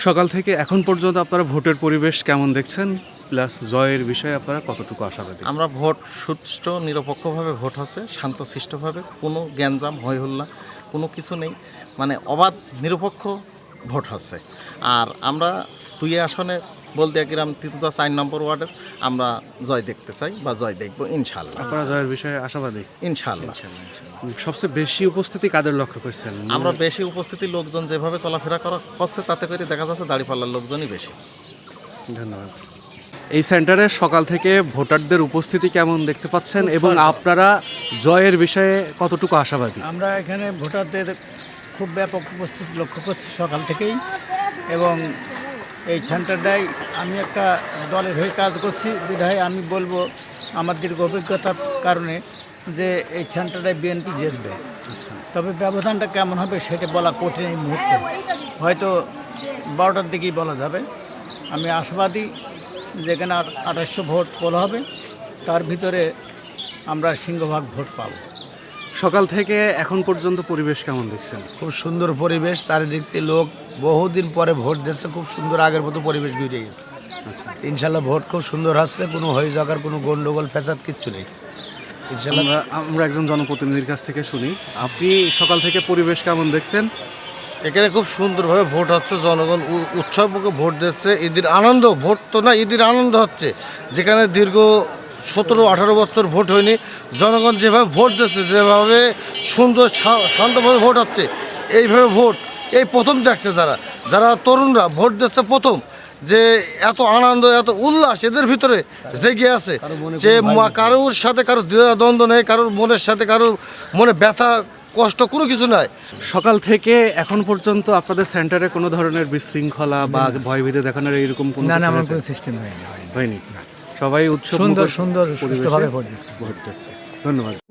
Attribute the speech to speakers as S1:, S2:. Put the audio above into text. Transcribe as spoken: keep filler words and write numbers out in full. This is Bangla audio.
S1: সকাল থেকে এখন পর্যন্ত আপনারা ভোটের পরিবেশ কেমন দেখছেন, প্লাস জয়ের বিষয়ে আপনারা কতটুকু আশাবাদী?
S2: আমরা ভোট সুষ্ঠু নিরপেক্ষভাবে ভোট হচ্ছে, শান্তশিষ্টভাবে, কোনো গ্যাঞ্জাম হইহুল্লা কোনো কিছু নেই, মানে অবাধ নিরপেক্ষ ভোট হচ্ছে। আর আমরা দুই আসনে বলতে গ্রাম তিতুদা চার নম্বর ওয়ার্ডের আমরা জয় দেখতে চাই বা জয় দেখব ইনশাল্লাহ।
S1: আপনারা জয়ের বিষয়ে আশাবাদী?
S2: ইনশাল্লাহ।
S1: সবচেয়ে বেশি উপস্থিতি কাদের লক্ষ্য করছেন?
S2: আমরা বেশি উপস্থিতি লোকজন যেভাবে চলাফেরা করা হচ্ছে তাতে করে দেখা যাচ্ছে দাঁড়িপাল্লার লোকজনই বেশি।
S1: ধন্যবাদ। এই সেন্টারে সকাল থেকে ভোটারদের উপস্থিতি কেমন দেখতে পাচ্ছেন এবং আপনারা জয়ের বিষয়ে কতটুকু আশাবাদী?
S3: আমরা এখানে ভোটারদের খুব ব্যাপক উপস্থিতি লক্ষ্য করছি সকাল থেকেই, এবং এই সেন্টারটায় আমি একটা দলের হয়ে কাজ করছি বিধায় আমি বলবো আমার দীর্ঘ অভিজ্ঞতার কারণে যে এই সেন্টারটায় বিএনপি জিতবে। তবে ব্যবধানটা কেমন হবে সেটা বলা কঠিন এই মুহূর্তে, হয়তো বারোটার দিকেই বলা যাবে। আমি আশাবাদী যেখানে আঠাশশো ভোট পোল হবে, তার ভিতরে আমরা সিংহভাগ ভোট পাব।
S1: সকাল থেকে এখন পর্যন্ত পরিবেশ কেমন দেখছেন?
S4: খুব সুন্দর পরিবেশ, চারিদিক থেকে লোক বহুদিন পরে ভোট দিচ্ছে, খুব সুন্দর আগের মতো পরিবেশ ঘুরে গেছে। ইনশাল্লাহ ভোট খুব সুন্দর হচ্ছে, কোনো হয়ে যাওয়ার কোনো গন্ডগোল ফ্যাসাদ কিচ্ছু নেই ইনশাল্লাহ।
S1: আমরা আমরা একজন জনপ্রতিনিধির কাছ থেকে শুনি, আপনি সকাল থেকে পরিবেশ কেমন দেখছেন?
S5: এখানে খুব সুন্দরভাবে ভোট হচ্ছে, জনগণ উৎসবমুখে ভোট দিচ্ছে, ঈদের আনন্দ, ভোট তো না ঈদের আনন্দ হচ্ছে। যেখানে দীর্ঘ সতেরো আঠারো বছর ভোট হয়নি, জনগণ যেভাবে ভোট দিচ্ছে, যেভাবে সুন্দর শান্তভাবে ভোট হচ্ছে, এইভাবে ভোট এই প্রথম দেখছে যারা যারা তরুণরা ভোট দিচ্ছে প্রথম, যে এত আনন্দ এত উল্লাস এদের ভিতরে জেগে আছে, যে কারোর সাথে কারোর দ্বন্দ্ব নেই, কারোর মনের সাথে কারোর মনে ব্যথা কষ্ট কোনো কিছু নাই।
S1: সকাল থেকে এখন পর্যন্ত আপনাদের সেন্টারে কোনো ধরনের বিশৃঙ্খলা বা ভয়ভীতি দেখানোর এরকম কোনো কিছু হয়েছে?
S3: সিস্টেম হয়নি
S1: হয়নি। সবাই উৎসব
S3: সুন্দর
S1: মুখর
S3: সুন্দর
S1: পরিবেশে
S3: সুষ্ঠুভাবে ভোট দিচ্ছে।
S1: ভোট দিচ্ছে। ধন্যবাদ।